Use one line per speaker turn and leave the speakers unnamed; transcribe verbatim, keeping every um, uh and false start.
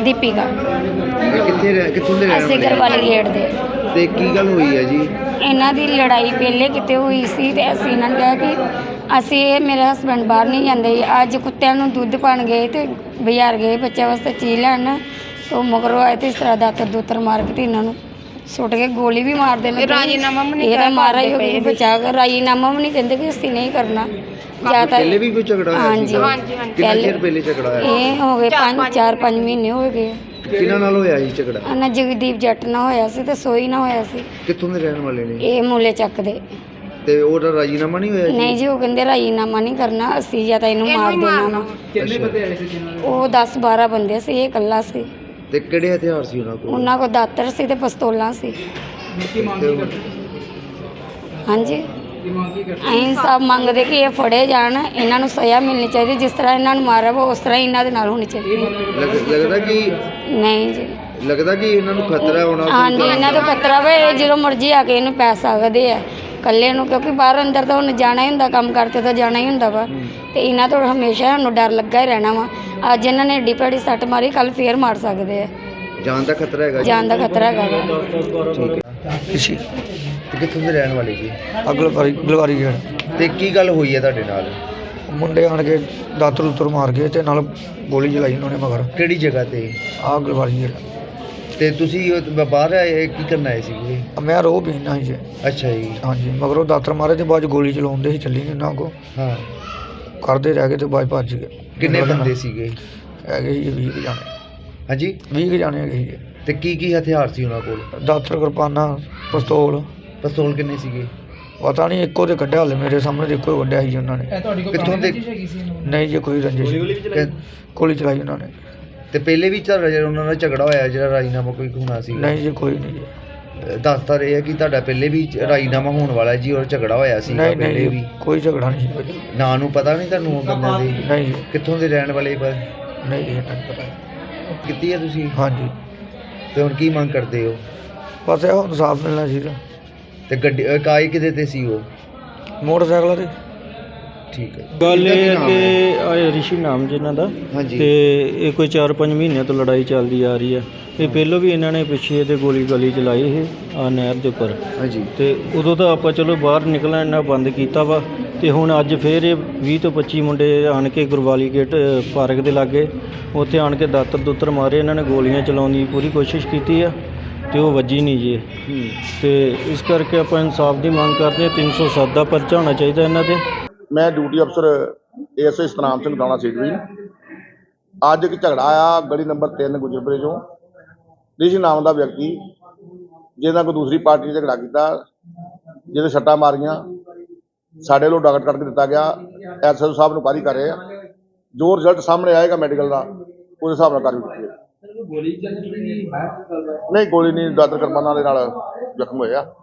ਦੀਪਿਕਾ
ਇਹ ਕਿੱਥੇ ਰਹਿ- ਕਿੱਥੋਂ ਦੇ ਰਹਿਣ
ਅਸੀਂ
ਵਾਲੇ
ਗਰਵਾਲੀ ਗੇਟ ਦੇ।
ਤੇ ਕੀ ਗੱਲ ਹੋਈ ਹੈ ਜੀ?
ਇਹਨਾਂ ਦੀ ਲੜਾਈ ਪਹਿਲੇ ਕਿਤੇ ਹੋਈ ਸੀ ਤੇ ਅਸੀਂ ਇਹਨਾਂ ਨੂੰ ਕਿਹਾ ਕਿ ਅਸੀਂ ਇਹ ਮੇਰੇ ਹਸਬੈਂਡ ਬਾਹਰ ਨਹੀਂ ਜਾਂਦੇ। ਅੱਜ ਕੁੱਤਿਆਂ ਨੂੰ ਦੁੱਧ ਪਾਣ ਗਏ ਤੇ ਬਾਜ਼ਾਰ ਗਏ ਬੱਚਿਆਂ ਵਾਸਤੇ ਚੀਜ਼ ਲੈਣ, ਉਹ ਮਗਰੋਂ ਆਏ ਤੇ ਇਸ ਤਰ੍ਹਾਂ ਦਾਤਰ ਦੂਤਰ ਮਾਰ ਕੇ ਤੇ ਇਹਨਾਂ ਨੂੰ ਸੁੱਟ ਕੇ ਗੋਲੀ ਵੀ ਮਾਰ ਦੇਣ।
ਰਾਜੀਨਾਮਾ ਵੀ ਨਹੀਂ
ਇਹਦਾ
ਕਰ
ਮਾਰਾ ਹੀ ਹੋ
ਪਾਉਂਦੇ
ਗਿਆ ਬਚਾ ਕੇ। ਰਾਜੀਨਾਮਾ ਵੀ ਨਹੀਂ ਕਹਿੰਦੇ ਕਿ ਅਸੀਂ ਨਹੀਂ ਕਰਨਾ ਜਾਂ ਤਾਂ
ਪਹਿਲੇ ਵੀ ਕੋਈ ਝਗੜਾ ਹੋਇਆ
ਹਾਂਜੀ
ਸੀਗਾ?
ਹਾਂਜੀ, ਹਾਂਜੀ।
ਕਿੰਨਾ ਚਿਰ ਪਹਿਲੇ ਝਗੜਾ ਹੋਇਆ?
ਇਹ ਹੋ ਗਏ ਪੰਜ ਚਾਰ ਪੰਜ ਮਹੀਨੇ ਹੋ ਗਏ।
ਕਿਹਨਾਂ ਨਾਲ ਹੋਇਆ ਸੀ ਝਗੜਾ?
ਨਾ ਜਗਦੀਪ ਜੱਟ ਨਾਲ ਹੋਇਆ ਸੀ ਤੇ ਸੋਈ ਨਾਲ ਹੋਇਆ ਸੀ।
ਕਿੱਥੋਂ ਦੇ ਰਹਿਣ ਵਾਲੇ ਨੇ?
ਇਹ ਮੂਲੇ ਚੱਕ ਦੇ।
ਤੇ ਉਹਦਾ ਰਾਜੀਨਾਮਾ ਨਹੀਂ ਹੋਇਆ ਜੀ?
ਨਹੀਂ ਜੀ, ਉਹ ਕਹਿੰਦੇ ਰਾਜੀਨਾਮਾ ਨਹੀਂ ਕਰਨਾ ਅਸੀਂ ਜਾਂ ਤਾਂ ਇਹਨੂੰ ਮਾਰ ਦੇਣਾ ਵਾ।
ਕਿੰਨੇ ਬੰਦੇ ਆਏ?
ਉਹ ਦਸ ਬਾਰਾਂ ਬੰਦੇ ਸੀ, ਇਹ ਇਕੱਲਾ ਸੀ।
ਤੇ ਕਿਹੜੇ ਹਥਿਆਰ ਸੀ ਉਹਨਾਂ ਕੋਲ?
ਉਹਨਾਂ ਕੋਲ ਦਾਤਰ ਸੀ ਤੇ ਪਿਸਤੌਲਾਂ ਸੀ। ਹਾਂਜੀ, ਅਸੀਂ ਸਭ ਮੰਗਦੇ ਕਿ ਇਹ ਫੜੇ ਜਾਣ, ਇਹਨਾਂ ਨੂੰ ਸਜ਼ਾ ਮਿਲਣੀ ਚਾਹੀਦੀ। ਜਿਸ ਤਰ੍ਹਾਂ ਇਹਨਾਂ ਨੂੰ ਮਾਰਿਆ ਵਾ ਉਸ ਤਰ੍ਹਾਂ ਹੀ ਇਹਨਾਂ ਦੇ ਨਾਲ ਹੋਣੀ ਚਾਹੀਦੀ।
ਲੱਗ- ਲੱਗਦਾ ਕਿ
ਨਹੀਂ ਜੀ,
ਲੱਗਦਾ ਕਿ ਇਹਨਾਂ ਨੂੰ ਖਤਰਾ ਹੋਣਾ?
ਹਾਂਜੀ ਇਹਨਾਂ ਤੋਂ ਖਤਰਾ ਵਾ। ਇਹ ਜਦੋਂ ਮਰਜ਼ੀ ਆ ਕੇ ਇਹਨੂੰ ਪੈ ਸਕਦੇ ਆ ਇਕੱਲੇ ਨੂੰ, ਕਿਉਂਕਿ ਬਾਹਰ ਅੰਦਰ ਤਾਂ ਉਹਨੇ ਜਾਣਾ ਹੀ ਹੁੰਦਾ, ਕੰਮ ਕਰਤੇ ਤਾਂ ਜਾਣਾ ਹੀ ਹੁੰਦਾ ਵਾ। ਤੇ ਇਹਨਾਂ ਤੋਂ ਹਮੇਸ਼ਾ ਸਾਨੂੰ ਡਰ ਲੱਗਾ ਹੀ ਰਹਿਣਾ ਵਾ। ਅੱਜ ਇਹਨਾਂ ਨੇ ਏਡੀ ਭੈੜੀ ਸੱਟ ਮਾਰੀ, ਕੱਲ ਫੇਰ ਮਾਰ ਸਕਦੇ ਆ।
ਜਾਨ ਦਾ ਖਤਰਾ ਹੈਗਾ ਜੀ?
ਜਾਨ ਦਾ ਖਤਰਾ ਹੈਗਾ ਵਾ।
ਠੀਕ ਹੈ।
ਇਸੀ
ਤੇ ਕਿੱਥੋਂ ਦੇ ਰਹਿਣ ਵਾਲੇ ਜੀ?
ਅਗਲਵਾਰੀ ਗਲਵਾਰੀ ਗੇਟ
ਤੇ ਕੀ ਗੱਲ ਹੋਈ ਹੈ ਤੁਹਾਡੇ ਨਾਲ?
ਮੁੰਡੇ ਆਣ ਕੇ ਦਾਤਰ ਉਤਰ ਮਾਰ ਗਏ ਤੇ ਨਾਲ ਗੋਲੀ ਚਲਾਈ ਉਹਨਾਂ ਨੇ ਮਗਰ।
ਕਿਹੜੀ ਜਗ੍ਹਾ ਤੇ?
ਆਹ ਗਲਵਾਰੀ ਗੇਟ।
ਤੇ ਤੁਸੀਂ ਉਹ ਬ- ਬਾਹਰ ਆਏ ਕੀ ਕਰਨ ਆਏ ਸੀਗੇ?
ਮੈਂ ਰੋ ਪੀਣਾ ਸੀ ਜੀ।
ਅੱਛਾ ਜੀ।
ਹਾਂਜੀ, ਮਗਰੋਂ ਦਾਤਰ ਮਾਰੇ ਤੇ ਬਾਅਦ 'ਚ ਗੋਲੀ ਚਲਾਉਂਦੇ ਸੀ, ਚੱਲੀ ਨਹੀਂ ਉਹਨਾਂ ਕੋ
ਹਾਂ।
ਕਰਦੇ ਰਹਿ ਗਏ ਤੇ ਬਾਅਦ 'ਚ ਭੱਜ ਗਏ।
ਕਿੰਨੇ ਬੰਦੇ ਸੀਗੇ?
ਹੈਗੇ ਸੀ ਵੀਹ ਕੁ ਜਾਣੇ।
ਹਾਂਜੀ।
ਵੀਹ ਕੁ ਜਾਣੇ ਹੈਗੇ ਸੀ।
ਤੇ ਕੀ ਕੀ ਹਥਿਆਰ ਸੀ ਉਹਨਾਂ ਕੋਲ?
ਦਾਤਰ, ਕਿਰਪਾਨਾਂ, ਪਿਸਤੌਲ।
ਪਿਸਤੌਲ ਕਿੰਨੇ ਸੀਗੇ?
ਪਤਾ ਨਹੀਂ, ਇੱਕੋ ਤੇ ਕੱਢਿਆ ਹਾਲੇ ਮੇਰੇ ਸਾਹਮਣੇ ਤੇ ਇੱਕੋ ਹੀ ਕੱਢਿਆ ਸੀ ਉਹਨਾਂ ਨੇ।
ਕਿੱਥੋਂ ਦੇ?
ਨਹੀਂ ਜੀ, ਕੋਈ ਰੰਜਿਸ਼
ਕਿ-
ਗੋਲੀ ਚਲਾਈ ਉਹਨਾਂ ਨੇ।
ਤੇ ਪਹਿਲੇ ਵੀ ਝਗੜਾ ਜਿਹੜਾ ਉਹਨਾਂ ਨਾਲ ਝਗੜਾ ਹੋਇਆ ਜਿਹੜਾ ਰਾਜੀਨਾਮਾ ਕੋਈ ਹੋਣਾ ਸੀ?
ਨਹੀਂ ਜੀ, ਕੋਈ ਨਹੀਂ ਜੀ।
ਦੱਸਦਾ ਰਿਹਾ ਕਿ ਤੁਹਾਡਾ ਪਹਿਲੇ ਵੀ ਰਾਜੀਨਾਮਾ ਹੋਣ ਵਾਲਾ ਜੀ ਔਰ ਝਗੜਾ ਹੋਇਆ ਸੀ
ਨਹੀਂ
ਪਹਿਲੇ
ਨਹੀਂ
ਵੀ?
ਜੀ, ਕੋਈ ਝਗੜਾ ਨਹੀਂ ਸੀ।
ਨਾਂ ਨੂੰ ਪਤਾ ਨਹੀਂ ਤੁਹਾਨੂੰ ਉਹ ਬੰਦਿਆਂ ਦੇ?
ਨਹੀਂ ਜੀ,
ਕਿੱਥੋਂ ਦੇ ਰਹਿਣ ਵਾਲੇ ਪਰ?
ਨਹੀਂ ਜੀ, ਇਹਨਾਂ ਨੂੰ ਪਤਾ।
ਕੀਤੀ ਹੈ ਤੁਸੀਂ?
ਹਾਂਜੀ,
ਤੇ ਹੁਣ ਕੀ ਮੰਗ ਕਰਦੇ ਹੋ?
ਬਸ ਇਹ ਇਨਸਾਫ ਮਿਲਣਾ ਚਾਹੀਦਾ।
ਤੇ ਗੱਡੀ ਅਹ ਕਾਏ ਕਿਤੇ ਤੇ ਸੀ ਉਹ?
ਮੋਟਰਸਾਈਕਲਾਂ ਤੇ।
ਠੀਕ ਹੈ।
ਗੱਲ
ਇਹਦਾ ਕੀ
ਇਹ
ਨਾਮ
ਕਿ
ਹੈ?
ਆਹ ਰਿਸ਼ੀ ਨਾਮ ਜਿਹਨਾਂ ਦਾ,
ਹਾਂਜੀ।
ਤੇ ਇਹ ਕੋਈ ਚਾਰ ਪੰਜ ਮਹੀਨਿਆਂ ਤੋਂ ਲੜਾਈ ਚੱਲਦੀ ਆ ਰਹੀ ਹੈ। ਇਹ ਪਹਿਲੋਂ ਵੀ ਇਹਨਾਂ ਨੇ ਪਿੱਛੇ ਇਹਦੇ ਗੋਲੀ ਗਾਲੀ ਚਲਾਈ ਇਹ ਆ ਨਹਿਰ ਦੇ ਉੱਪਰ,
ਹਾਂਜੀ।
ਤੇ ਉਦੋਂ ਤਾਂ ਆਪਾਂ ਚਲੋ ਬਾਹਰ ਨਿਕਲਣਾ ਇਹਨਾਂ ਬੰਦ ਕੀਤਾ ਵਾ। ਤੇ ਹੁਣ ਅੱਜ ਫੇਰ ਇਹ ਵੀਹ ਤੋਂ ਪੱਚੀ ਮੁੰਡੇ ਆਣ ਕੇ ਗੁਰਵਾਲੀ ਗੇਟ ਪਾਰਕ ਦੇ ਲਾਗੇ ਉੱਥੇ ਆਣ ਕੇ ਦਾਤਰ ਦੁੱਤਰ ਮਾਰੇ। ਇਹਨਾਂ ਨੇ ਗੋਲੀਆਂ ਚਲਾਉਣ ਦੀ ਪੂਰੀ ਕੋਸ਼ਿਸ਼ ਕੀਤੀ ਆ ਤੇ ਉਹ ਵੱਜੀ ਨਹੀਂ ਜੀ। ਤੇ ਇਸ ਕਰਕੇ ਆਪਾਂ ਇਨਸਾਫ ਦੀ ਮੰਗ ਕਰਦੇ ਹਾਂ। ਤਿੰਨ ਸੌ ਸੱਤ ਦਾ ਪਰਚਾ ਹੋਣਾ ਚਾਹੀਦਾ ਇਹਨਾਂ ਤੇ।
ਮੈਂ ਡਿਊਟੀ ਅਫਸਰ ਏਐਸਆਈ ਸਤਨਾਮ ਸਿੰਘ ਥਾਣਾ ਸੀਟਵੀ। ਅੱਜ ਇੱਕ ਝਗੜਾ ਆਇਆ ਗਲੀ ਨੰਬਰ ਤਿੰਨ ਗੁਜਰਪੁਰੇ ਚੋਂ। ਰਿਸ਼ੀ ਨਾਮ ਦਾ ਵਿਅਕਤੀ ਜਿਹਨਾਂ ਕੋਈ ਦੂਸਰੀ ਪਾਰਟੀ ਨੇ ਝਗੜਾ ਕੀਤਾ, ਜਿਹਦੇ ਸੱਟਾਂ ਮਾਰੀਆਂ, ਸਾਡੇ ਵੱਲੋਂ ਡਾਕਟ ਕੱਢ ਕੇ ਦਿੱਤਾ ਗਿਆ। ਐਸਐਸਓ ਸਾਹਿਬ ਨੂੰ ਕਾਰੀ ਕਰ ਰਹੇ ਆ। ਜੋ ਰਿਜ਼ਲਟ ਸਾਹਮਣੇ ਆਏਗਾ ਮੈਡੀਕਲ ਦਾ, ਉਹਦੇ ਹਿਸਾਬ ਨਾਲ ਕਾਰਵਾਈ ਕੀਤੀ ਜਾਏਗੀ। ਨਹੀਂ, ਗੋਲੀ ਨਹੀਂ, ਦਾਤਰ ਕਿਰਪਾਨਾਂ ਦੇ ਨਾਲ ਜ਼ਖਮ ਹੋਇਆ।